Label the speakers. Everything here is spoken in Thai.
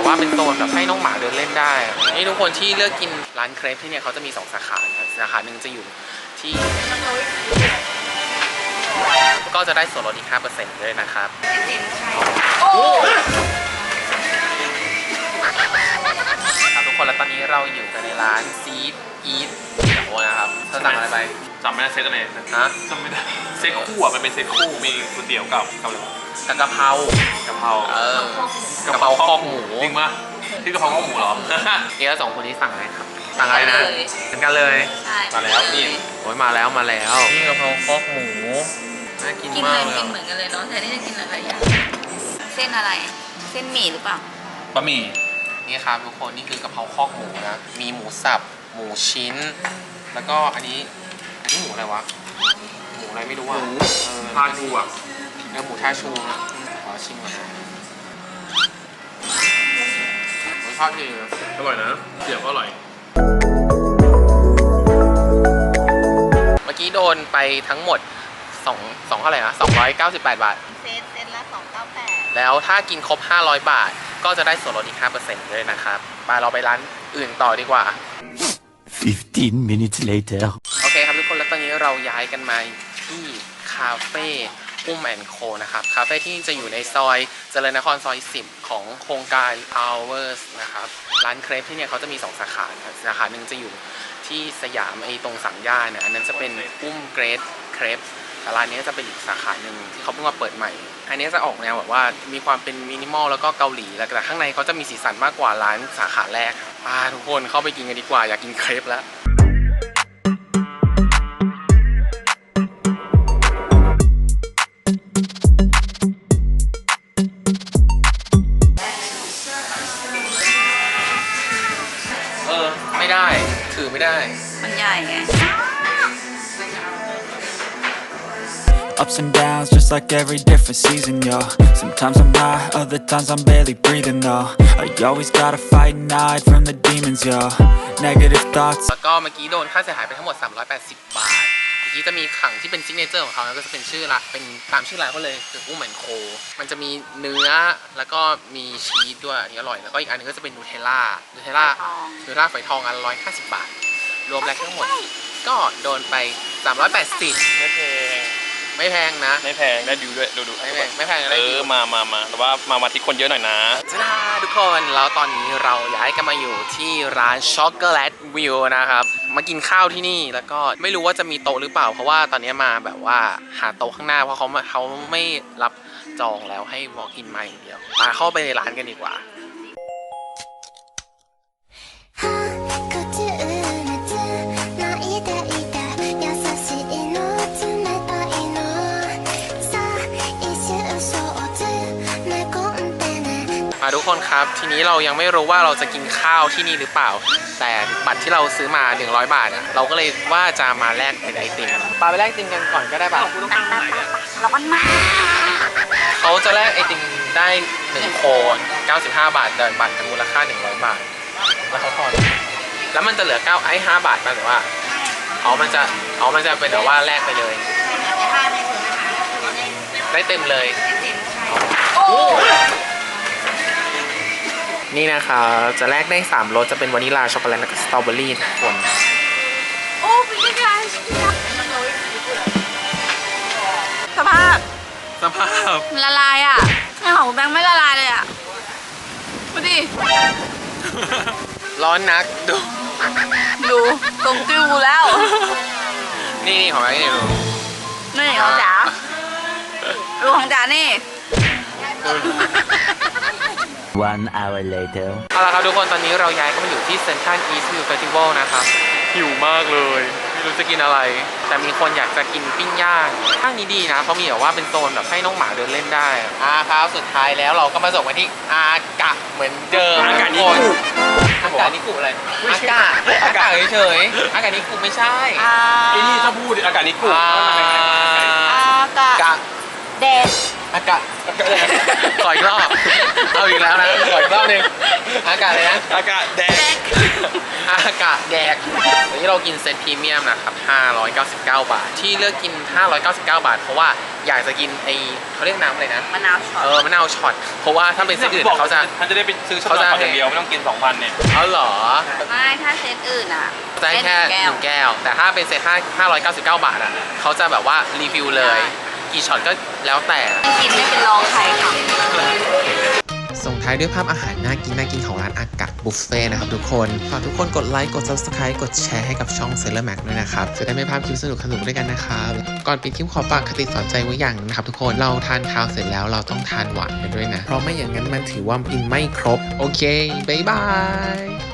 Speaker 1: ว่าเป็นโซนแบบให้น้องหมาเดินเล่นได้นี่ทุกคนที่เลือกกินร้านเครปที่เนี่ยเขาจะมี2 สาขาสาขาหนึ่งจะอยู่ที่ก็จะได้ส่วนลดอีก 5% ด้วยนะครับครับทุกคนแล้วตอนนี้เราอยู่กันในร้านซีดอีทโอ้นะครับเธอสั่งอะไรไป
Speaker 2: จำไม่ได้เซตอะไร
Speaker 1: นะ
Speaker 2: จำไม่ได้เซตคู่อ่ะมันเป็นเซตคู่มีก๋วยเตี๋ยวกับอะไรวะ
Speaker 1: กะเพรากะเพราข้อหมู
Speaker 2: จริงปะที่กะเพราข้อหมูเหรอ
Speaker 1: นี่แล้ว2 คนนี้สั่งอะไรครับสั่งอะไรนะเหมือนกันเลย
Speaker 2: มาแล้วนี่
Speaker 1: โอ้ยมาแล้วนี่กะเพราข้อหมูน่ากินมากเลย
Speaker 3: กินเหมือนกันเลยเนาะแต่นี่จะกินอะไรอย่างเส้นอะไรเส้นหมี่หรือเปล่า
Speaker 2: บะหมี่
Speaker 1: นี่ครับทุกคนนี่คือกะเพราข้อหมูนะมีหมูสับหมูชิ้นแล้วก็อันนี้หมูอะไรวะหมูอะไรไม่รู้อ่ะ
Speaker 2: ทาชูอ่ะ
Speaker 1: หมูทาชูนะขอชิมก่อนรสชาติดี
Speaker 2: อร่อยนะเสียบก็อร่อย
Speaker 1: เมื่อกี้โดนไปทั้งหมด2เท่าไหร่นะ298 บาท
Speaker 3: เซตละ298
Speaker 1: แล้วถ้ากินครบ500 บาทก็จะได้ส่วนลดอีก 5% ด้วยนะครับไปเราไปร้านอื่นต่อดีกว่า
Speaker 4: 15 minutes later
Speaker 1: โอเคครับทุกคนแล้วตอนนี้เราย้ายกันมาที่คาเฟ่โคนะครับคาเฟ่ที่จะอยู่ในซอยเจริญนครซอย10ของโครงการ Hours นะครับร้านเครปที่เนี่ยเขาจะมี2 สาขาสาขาหนึ่งจะอยู่ที่สยามตรงสังย่าเนี่ยอันนั้นจะเป็นเกรดเครปแต่ร้านนี้จะเป็นอีกสาขาหนึ่งที่เขาเพิ่งมาเปิดใหม่อันนี้จะออกแนวแบบว่ามีความเป็นมินิมอลแล้วก็เกาหลีแต่ข้างในเขาจะมีสีสันมากกว่าร้านสาขาแรกทุกคนเข้าไปกินกันดีกว่าอยากกินเครปแล้วไม่ได้ถือไม่ได้
Speaker 3: มันใหญ่ไง
Speaker 4: Ups and downs, just like every different season, yo. Sometimes I'm high, other times I'm barely breathing, though. I always gotta fight and hide from the demons, yo. Negative thoughts.
Speaker 1: แล้วก็เมื่อกี้โดนค่าเสียหายไปทั้งหมด380 บาทเมื่อกี้จะมีขังที่เป็นซิกเนเจอร์ของเขาแล้วก็จะเป็นชื่อละเป็นตามชื่อร้านเขาเลยคือโคมันจะมีเนื้อแล้วก็มีชีสด้วยอันนี้อร่อยแล้วก็อีกอันนึงก็จะเป็นนูเทลล่าฝอยทองอัน150 บาทรวมแล้วทั้งหมดก็โดนไป380ไม่แพงนะ
Speaker 2: ไม่แพงได้ดูด้วยดู
Speaker 1: ไม่แพงได้ดู
Speaker 2: มาแต่ว่ามาที่คนเยอะหน่อยนะ
Speaker 1: จ้าทุกคนแล้วตอนนี้เราย้ายกันมาอยู่ที่ร้านช็อกโกแลตวิวนะครับมากินข้าวที่นี่แล้วก็ไม่รู้ว่าจะมีโต๊ะหรือเปล่าเพราะว่าตอนนี้มาแบบว่าหาโต๊ะข้างหน้าเพราะเขาไม่รับจองแล้วให้walk inมาอย่างเดียวมาเข้าไปในร้านกันดีกว่าทุกคนครับทีนี้เรายังไม่รู้ว่าเราจะกินข้าวที่นี่หรือเปล่าแต่บัตรที่เราซื้อมา100 บาทเราก็เลยว่าจะมาแลกเป็นไอติมไปแลกไอติมกันก่อนก็ได้ป่ะ
Speaker 3: ร้อนมาก
Speaker 1: เขาจะแลกไอติมได้1 โคน95 บาทแต่บัตรมูลค่า100 บาทแล้วเขาทอนแล้วมันจะเหลือ5 บาทป่ะหรือว่ามันจะเป็นแบบว่าแลกไปเลยได้เต็มเลยนี่นะคะจะแลกได้3 รสจะเป็นวานิลลาช็อกโกแลตและสตรอเบอรี่ทุกคน
Speaker 3: โอ้เป็นยังไงสภาพละลายอ่ะในของแบงค์ไม่ละลายเลยอ่ะดูดิ
Speaker 1: ร้อนนักดู
Speaker 3: ตรงติ้วแล้ว
Speaker 1: นี่ของแบงค์นี่ดู
Speaker 3: นี่ของจ๋าดูของจ๋านี่
Speaker 4: 1 hour later
Speaker 1: เอาละครับทุกคนตอนนี้เราย้ายก็มาอยู่ที่เซ็นทรัลอีสต์วิวเฟสติวัลนะครับหิวมากเลยไม่รู้จะกินอะไรแต่มีคนอยากจะกินปิ้งย่างข้างนี้ดีนะเขามีแบบว่าเป็นโซนแบบให้น้องหมาเดินเล่นได้ครับสุดท้ายแล้วเราก็มาส่งมาที่อากะเหมือนเดิม
Speaker 2: อากานิ
Speaker 1: กุอะไรอากาเฉยอากานิกุไม่ใช่
Speaker 2: ไอ้นี่ถ้าพูดอากานิกุ
Speaker 3: อากะแดก
Speaker 1: อากาศขออีกรอบ เอาอีกแล้วนะขออีกรอบหนึงอากาศเลยนะ
Speaker 2: อากาศแดง
Speaker 1: อากาศแดกวันนี้เรากินเซตพรีเมียมนะครับ599 บาท ที่เลือกกิน 599 บาท เพราะว่าอยากจะกินเขาเรียกน้ำอะไรนะ
Speaker 3: มะนาวช็อต
Speaker 1: มะนาวช็อต เพราะว่าถ้าเป็นเซตอื่นเขาจะ
Speaker 2: ท่านจะได้ไปซื้อช็อตอย่างเดียวไม่ต้องกิน 2,000 เนี่ย
Speaker 1: เอาเหรอ
Speaker 3: ไม่ถ้าเซตอื่นอ่ะ
Speaker 1: ได้แค่
Speaker 3: เซต
Speaker 1: 1 แก้ว แต่ถ้าเป็นเซต599 บาทอ่ะเขาจะแบบว่ารีวิวเลย กี่ช็อตก็แล้วแต่
Speaker 3: กินไม่เป็นรองใครค่ะ
Speaker 1: ส่งท้ายด้วยภาพอาหารน่ากินของร้านอากาศบุฟเฟ่นะครับทุกคน ฝากทุกคนกดไลค์ กด Subscribe กดแชร์ให้กับช่อง Sailor Mac ด้วยนะครับ จะได้ไม่พลาดคลิปสนุกด้วยกันนะครับ ก่อนปิดคลิปขอฝากคติสอนใจไว้อย่างนะครับทุกคน เราทานข้าวเสร็จแล้วเราต้องทานหวานกันด้วยนะ เพราะไม่อย่างนั้นมันถือว่ากินไม่ครบ โอเค บ๊ายบาย